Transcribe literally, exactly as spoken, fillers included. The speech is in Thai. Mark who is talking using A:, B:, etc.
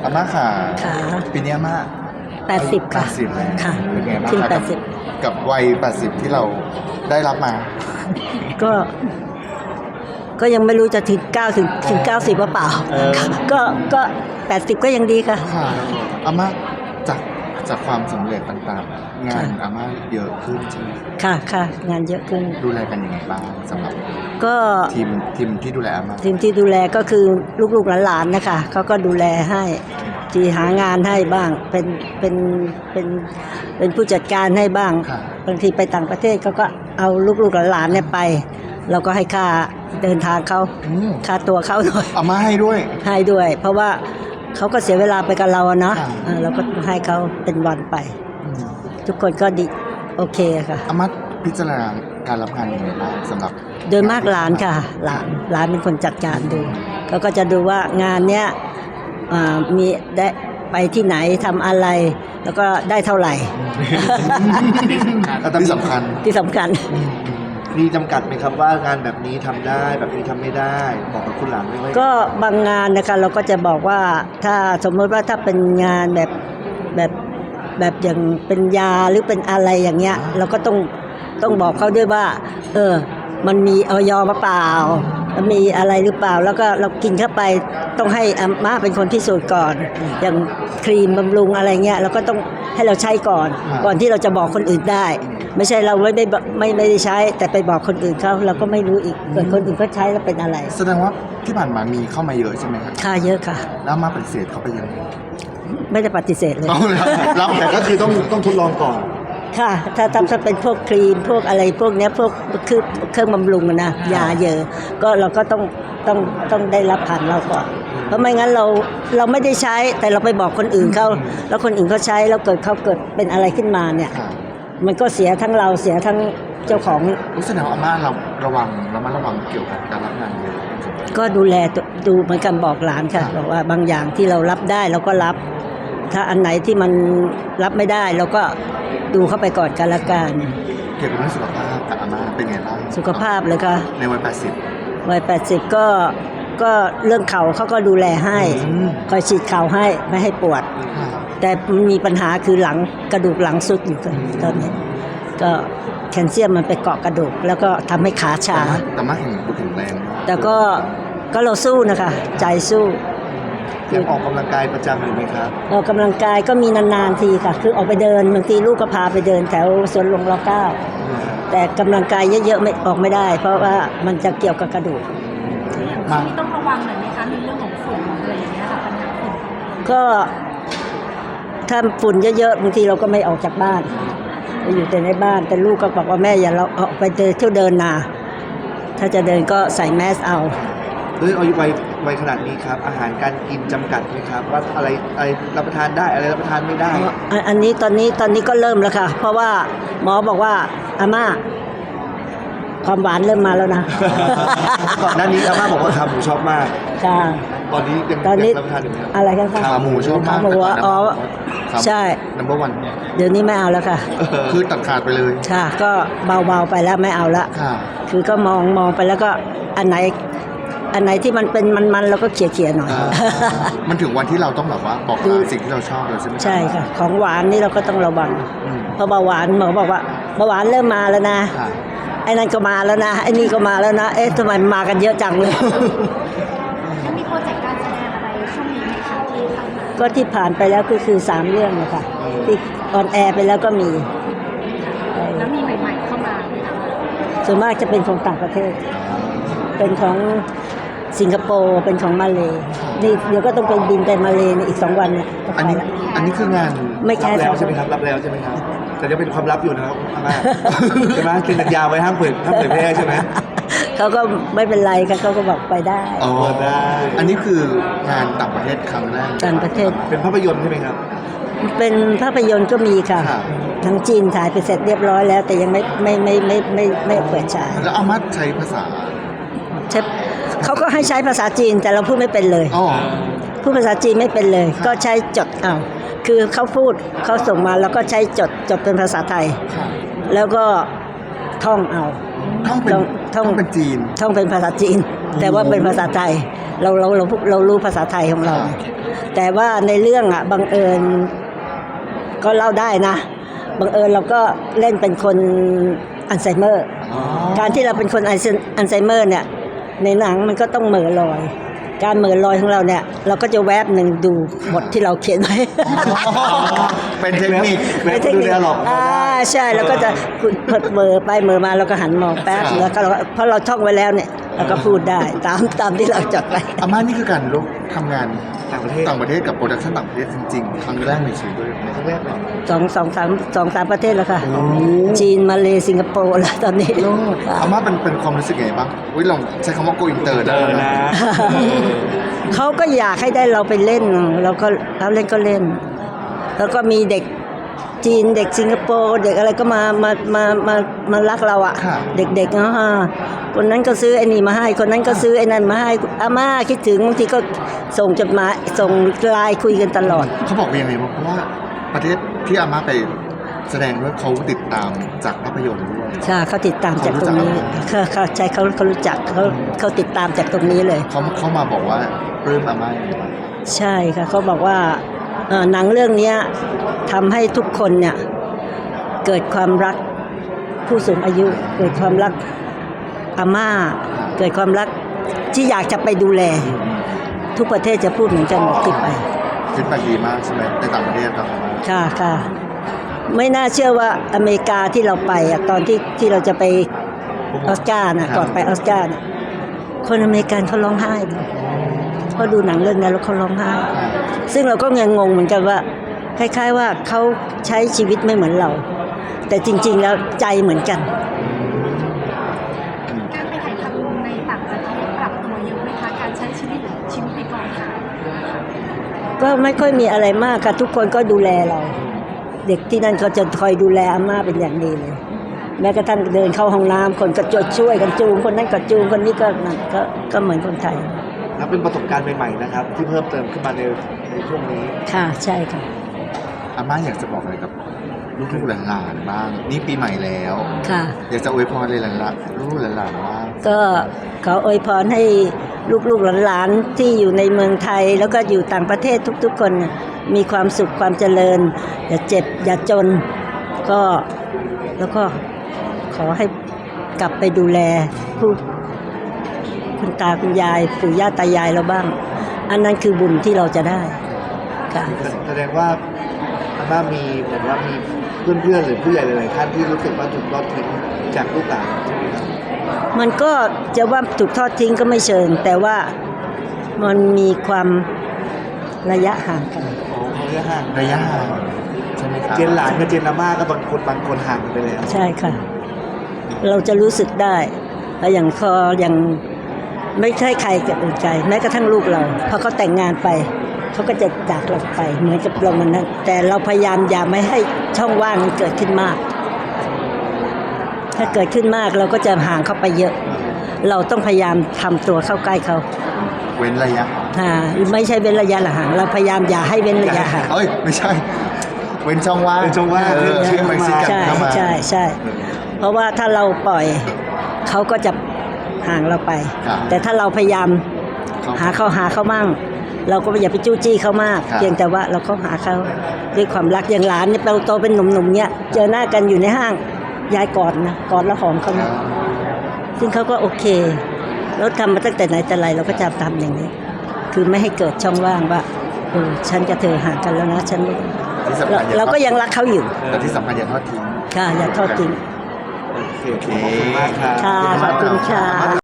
A: อาม่าค่ะ
B: ค่ะ
A: ปีนี้อาม่า
B: แปดสิบค่ะ
A: แปดสิบแล้ว
B: ค่ะ
A: เป็นไงบ้าง
B: ขึ้น
A: คะ
B: แปดสิบ
A: กับวัยแปดสิบที่เราได้รับมา
B: ก็ ก็ยังไม่รู้จะถึงเก้าถึงถึงเก้าสิบหรือเปล่า
A: เออ
B: ก็ก็แปดสิบก็ยังดีค่ะ
A: ค่ะอาม่าจากจากความสำเร็จต่างๆ งาน
B: ค่ะ
A: อาม่าเยอะขึ้นใช่ไหม
B: ค่ะค่ะงานเยอะขึ้น
A: ดูแลกันยังไงบ้างสำหรับ
B: ก็
A: ทีมทีมที่ดูแลอาม่า
B: ทีมที่ดูแลก็คือลูกๆหลานๆนะคะเขาก็ดูแลให้ที่หางานให้บ้างเป็นเป็นเป็นเป็นผู้จัดการให้บ้าง
A: ค่ะ
B: บางทีไปต่างประเทศเขาก็เอาลูกๆหลานๆเนี่ยไป เราก็ให้ค่าเดินทางเขา
A: อืม
B: ค่าตัวเขาหน่อย
A: อาม่าให้ด้วย
B: ให้ด้วย เพราะว่าเขาก็เสียเวลาไปกับเราอะเนาะ
A: ค่ะ
B: เออเราก็ให้เขาเป็นวันไป
A: อืม
B: ทุกคนก็ดีโอเคค่ะ
A: อาม่าพิจารณาการรับงานยังไงบ้างสำหรับ
B: โดยมากหลานค่ะ หลานหลานเป็นคนจัดการดูเขาก็จะดูว่างานเนี้ยอ่ามีได้ไปที่ไหนทำอะไร แล้วก็ได้เท่าไหร่
A: ที่สำคัญ
B: ที่สำคัญ
C: มีจำกัดไหมครับว่างานแบบนี้ทำได้แบบนี้ทำไม่ได้บอกกับคุณหลานไว้ไว้
B: ก็บางงานนะคะเราก็จะบอกว่าถ้าสมมติว่าถ้าเป็นงานแบบแบบแบบอย่างเป็นยาหรือเป็นอะไรอย่างเงี้ย เราก็ต้องต้องบอกเขาด้วยว่า เออ มันมีออยมาเปล่ามันมีอะไรหรือเปล่า แล้วก็เรากินเข้าไปต้องให้อาม่าเป็นคนพิสูจน์ก่อน อย่างครีมบำรุงอะไรเงี้ยเราก็ต้องให้เราใช้ก่อน
A: ครับ
B: ก่อนที่เราจะบอกคนอื่นได้ ไม่ใช่เราไม่ได้บอกไม่ไม่ได้ใช้ แต่ไปบอกคนอื่นเขาเราก็ไม่รู้อีกเกิดคนอื่นเขาใช้แล้วเป็นอะไร
A: แสดงว่าที่ผ่านมามีเข้ามาเยอะใช่ไหมครับ
B: ค่าเยอะค่ะ
A: แล้วอามาปฏิเสธเขาไปยังไง
B: ไม่ได้ปฏิเสธเลย
A: เอาแล้วรับ
C: แต่ก็คือต้องต้องทดลองก่อน
B: ค่ะ ถ้าทำถ้าเป็นพวกครีมพวกอะไรพวกเนี้ยพวกคือเครื่องบำรุงอะนะยาเยอะ ก็เราก็ต้องต้องต้องได้รับผ่านเราก่อน เพราะไม่งั้นเราเราไม่ได้ใช้แต่เราไปบอกคนอื่นเขาแล้วคนอื่นเขาใช้แล้วเกิดเขาเกิดเป็นอะไรขึ้นมาเนี่ย
A: ค่ะ
B: มันก็เสียทั้งเราเสียทั้งเจ้าของ
A: รู้สึกว่าอาม่าเราระวังระมัดระวังเกี่ยวกับการรับงานเยอะ
B: ก็ดูแลตัวดูเหมือนกันบอกหลานค่ะบอกว่าบางอย่างที่เรารับได้เราก็รับ ถ้าอันไหนที่มันรับไม่ได้เราก็ดูเข้าไปก่อนกันละกัน
A: เกี่ยวกับเรื่องสุขภาพกับอาม่าเป็นไงบ้าง
B: สุขภาพเลยค่ะ
A: ในวัยแปดสิบ
B: วัยแปดสิบก็ก็เรื่องเข่าเขาก็ดูแลให้
A: อืม
B: คอยฉีดเข่าให้ไม่ให้ปวด แต่มันมีปัญหาคือหลังกระดูกหลังสุดอยู่ตอนนี้ ก็แคลเซียมมันไปเกาะกระดูก แล้วก็ทำให้ขาชา
A: แต่มาแข็งแข็งแรงมาก
B: แต่ก็ก็เราสู้นะคะ ใจสู้
C: ยังออกกำลังกายประจำอยู่ไหมครับ
B: ออกกำลังกายก็มีนานๆทีค่ะ คือออกไปเดินบางทีลูกก็พาไปเดินแถวสวนหลวงรอเก้าแต่กำลังกายเยอะๆไม่ออกไม่ได้ เพราะว่ามันจะเกี่ยวกับกระดูก
A: มา
D: นี่ต้องระวังหน่อยไหมคะในเรื่องของฝุ่นอะไรอย่างเงี้ยค่ะปัญหาฝุ่น
B: ก็ถ้าฝุ่นเยอะๆบางทีเราก็ไม่ออกจากบ้านไปอยู่แต่ในบ้านแต่ลูกก็บอกว่าแม่อย่าเราออกไปเดินเที่ยวเดินนาถ้าจะเดินก็ใส่แมสเอา
C: ด้วยอายุวัยวัยขนาดนี้ครับอาหารการกินจำกัดไหมครับว่าอะไรอะไรรับประทานได้อะไรรับประทานไม่ได้
B: อันอันนี้ตอนนี้ตอนนี้ก็เริ่มแล้วค่ะ เพราะว่าหมอบอกว่าอาม่าความหวานเริ่มมาแล้วนะ
C: ก่อนหน้านี้อาม่าบอกว่าขาหมูชอบมาก
B: ค่ะ
C: ตอนนี้ยัง
B: ตอนนี้
C: ยังรับประทานอยู่ไหมครับ
B: อะไรกันคะ
A: ขาหมูชอบมาก
B: ขาหมูอะอ๋อใช่
A: นัมเบอร์วัน
B: เดี๋ยวนี้ไม่เอาแล้วค่ะ
A: คือตัดขาดไปเลย
B: ค่ะ ก็เบาๆไปแล้วไม่เอาละ
A: ค่ะ
B: คือก็มองมองไปแล้วก็อันไหน อันไหนที่มันเป็นมันๆเราก็เขี่ยเขี่ยๆหน่อย
A: อ่ามันถึงวันที่เราต้องแบบว่าบอก
B: คือ
A: ลาสิ่งที่เราชอบแล้วใช่ไหม
B: ใช่ค่ะ ของหวานนี่เราก็ต้องระวัง
A: อืม
B: เพราะเบาหวานหมอบอกว่าเบาหวานเริ่มมาแล้วนะ
A: ค่ะ
B: ไอ้นั่นก็มาแล้วนะไอ้นี่ก็มาแล้วนะเอ๊ะทำไมมันมากันเยอะจังเลย
D: แล้วมีโปรเจกต์การแสดงอะไรช่วงนี้ไหมคะที่ทำมา
B: ก็ที่ผ่านไปแล้วก็คือสามเรื่องนะคะที่ออนแอร์ไปแล้วก็มี
D: แล้วมีใหม่ๆเข้ามาไหมคะ
B: ส่วนมากจะเป็นของต่างประเทศ เป็นของสิงคโปร์เป็นของมาเลย์นี่เดี๋ยวก็ต้องไปบินไปมาเลย์ในอีกสองวันเนี่ยก็
A: อัน
B: ไป
A: นี้
B: ละ
A: อันนี้คืองาน
B: ไม่แค่
C: รับ
B: ส
C: แล้
B: อ
C: ว
B: ง
C: ใช่ไหมครับรับแล้วใช่ไหมครับ แต่ยังเป็นความลับอยู่นะครับอาม่า ใช่ไหมเซ็นสัญญาไว้ห้ามเผยห้ามเผยแพร่ใช่ไหม
B: เขาก็ไม่เป็นไรค่ะเขาก็บอกไปได้
A: อ๋อ
C: ได้
A: อันนี้คืองานต่างประเทศครั้งแรก
B: ต่างประเทศ
C: เป็นภาพยนตร์ใช่ไหมครับ
B: เป็นภาพยนตร์ก็มีค่ะ
A: ครับ
B: ทั้งจีนถ่ายไปเสร็จเรียบร้อยแล้ว แต่ยังไม่ไม่ไม่ไม่ไม่ไม่ไม่เปิดฉาย
A: แล้วอามัดใช้ภาษา
B: ใช่เขาก็ให้ใช้ภาษาจีนแต่เราพูดไม่เป็นเลย
A: อ๋อ
B: พูดภาษาจีนไม่เป็นเลย ก็ใช้จดเอาคือเขาพูดเขาส่งมาแล้วก็ใช้จดจดเป็นภาษาไทย
A: ค่ะ
B: แล้วก็ท่องเอา
A: ท่องเป็น
B: ท่องท่
A: ท่
B: อ
A: อง งเป็นจีน
B: ท่องเป็นภาษาจีน แต่ว่าเป็นภาษาไทย เราเราเราเรารู้ภาษาไทยของเรา
A: ครับ
B: แต่ว่าในเรื่องอ่ะบังเอิญก็เล่าได้นะบังเอิญเราก็เล่นเป็นคนอัลไซเมอร์
C: อ๋อ
B: การที่เราเป็นคนอัลไซเมอร์เนี่ยในหนังมันก็ต้องเหม่อลอย การเหม่อลอยของเราเนี่ยเราก็จะแวบหนึ่งดูบทที่เราเขียนไว้
A: เป็นเทคนิค
C: แม่ดูแลหรอก
B: อ่าใช่แล้วก็จะเหม่อไปเหม่อมาเราก็หันมองแป๊บ
A: ครับ
B: แล้วก็เราเพราะเราท่องไว้แล้วเนี่ยเราก็พูดได้ตามตามที่เราจดไว้
A: อาม่านี่คือการลุกทำงาน
C: ต่างประเทศ
A: ต่างประเทศกับโปรดักชั่นต่างประเทศจริงๆ ครั้งแรกในชีวิตด้วยไหม
C: ครั้งแรกเลย
B: สองสองสามสองสามประเทศแล้วค่ะ
A: โอ้
B: จีนมาเลสิงคโปร์แล้วตอนนี้
A: โลดอาม่าเป็นเป็นความรู้สึกไงบ้างอุ้ยลองใช้คำว่า go inter ได้
C: เออ
A: แล้ว
C: นะ
A: นะ
B: เขาก็อยากให้ได้เราไปเล่นเราก็เราเล่นก็เล่น แล้วก็มีเด็กจีนเด็กสิงคโปร์เด็กอะไรก็มามามามามารักเราอะ
A: ค่ะ
B: เด็กๆเนาะฮะคนนั้นก็ซื้อไอ้นี่มาให้ คนนั้นก็ซื้อไอ้นั่นมาให้อาม่าคิดถึงบางทีก็ส่งจดหมายส่งไลน์คุยกันตลอด
A: เขาบอกว่ายังไงบ้างเพราะว่าประเทศที่อาม่าไปแสดงด้วยเขาติดตามจากภาพยนตร์ด้วย
B: ใช่เขาติดตามจากตรงนี้เขาเขาใช่เขาเขารู้จักเขาเขาติดตามจากตรงนี้เลย
A: เขาเขามาบอกว่าปลื้มอาม่ายังไงบ้าง
B: ใช่ค่ะเขาบอกว่าเอ่อหนังเรื่องเนี้ยทำให้ทุกคนเนี่ยเกิดความรักผู้สูงอายุ เกิดความรักอาม่า เกิดความรักที่อยากจะไปดูแล ทุกประเทศจะพูดเหมือนกันหมดที่ไป
A: ฟีดแบ็กดีมากใช่ไหมในต่างประเทศครับอาม่า
B: ค่ะค่ะไม่น่าเชื่อว่าอเมริกาที่เราไปอะตอนที่ที่เราจะไปออสการ์นะก่อนไปออสการ์น่ะคนอเมริกันเขาร้องไห้เลยเพราะดูหนังเรื่องนั้นแล้วเขาร้องไห้ ซึ่งเราก็ยังงงเหมือนกันว่า คล้ายๆว่าเขาใช้ชีวิตไม่เหมือนเรา แต่จริงๆแล้วใจเหมือนกัน
D: การไปถ่ายทำในต่างประเทศปรับตัวเยอะไหมคะการใช้ชีวิตชีวิตในกองถ่าย
B: ก็ไม่ค่อยมีอะไรมากค่ะทุกคนก็ดูแลเรา เด็กที่นั่นเขาจะคอยดูแลอาม่าเป็นอย่างดีเลย แม้กระทั่งเดินเข้าห้องน้ำคนก็จะช่วยกันจูงคนนั้นก็จูงคนนี้ก็นั่นก็ก็เหมือนคนไทย
C: นับเป็นประสบการณ์ใหม่ๆนะครับ ที่เพิ่มเติมขึ้นมาในในช่วงนี้
B: ค่ะใช่ค่ะ
A: อาม่าอยากจะบอกอะไรกับลูกๆหลานๆบ้าง นี่ปีใหม่แล้ว
B: ค่ะ
A: อยากจะอวยพรเลยหลานๆลูกๆหลานๆบ้าง
B: ก็ขออวยพรให้ลูกๆหลานๆที่อยู่ในเมืองไทย แล้วก็อยู่ต่างประเทศทุกๆคนน่ะมีความสุขความเจริญ อย่าเจ็บอย่าจน ก็แล้วก็ขอให้กลับไปดูแลผู้คุณตาคุณยายปู่ย่าตายายเราบ้าง อันนั้นคือบุญที่เราจะได้ค่ะ
C: แสดงว่าอาม่ามีเหมือนว่ามีเพื่อนๆหรือผู้ใหญ่หลายๆท่านที่รู้สึกว่าถูกทอดทิ้งจากลูกหลานใช่ไหมครับ
B: มันก็จะว่าถูกทอดทิ้งก็ไม่เชิง แต่ว่ามันมีความระยะห่างกัน
C: อ๋อระยะห่าง
A: ระยะห่างใช่ไหมครับ
C: เจนหลานกับเจนอาม่าก็บางคนบางคนห่างกันไปแล้ว
B: ใช่ค่ะ เราจะรู้สึกได้แล้วอย่างพออย่างไม่ใช่ใครกับอื่นใจแม้กระทั่งลูกเราพอเขาแต่งงานไปเขาก็จะจากเราไปเหมือนกับเรามันนั้นแต่เราพยายามอย่าไม่ให้ช่องว่างมันเกิดขึ้นมาก ถ้าเกิดขึ้นมากเราก็จะห่างเข้าไปเยอะ เราต้องพยายามทำตัวเข้าใกล้เขา
A: เว้นระยะ
B: อ่าไม่ใช่เว้นระยะห่างเราพยายามอย่าให้เว้นระยะห่าง
A: เอ้ยไม่ใช่ เว้นช่องว่าง
C: เว้นช่องว่าง
A: เออเชื่อมไปซิกัน
B: ใช่
A: เข้ามา
B: ใช่ใช่เพราะว่าถ้าเราปล่อยเขาก็จะห่างเราไป
A: ครับ
B: แต่ถ้าเราพยายาม
A: ครับ
B: หาเขาหาเขามั่ง เราก็อย่าไปจู้จี้เขามาก
A: ครับ
B: เพียงแต่ว่าเราก็หาเขาด้วยความรักอย่างหลานเนี่ยเราโตเป็นหนุ่มๆเนี่ยเจอหน้ากันอยู่ในห้างยายกอดนะกอดแล้วหอมเขานะซึ่งเขาก็โอเคแล้วทำมาตั้งแต่ไหนแต่ไรเราก็จะทำอย่างนี้ คือไม่ให้เกิดช่องว่างว่าเออฉันกับเธอห่างกันแล้วนะฉันไม่
A: ที่สำ
B: เรา
A: คัญอย่า
B: เรา
A: ทอด
B: ก็ยังรักเขาอยู่
A: แต่ที่สำคัญอย่าทอดทิ้ง
B: ค่ะอย่าทอดทิ้ง
C: โอเคขอบคุณมากครับ
B: ค่ะขอบคุณค่ะ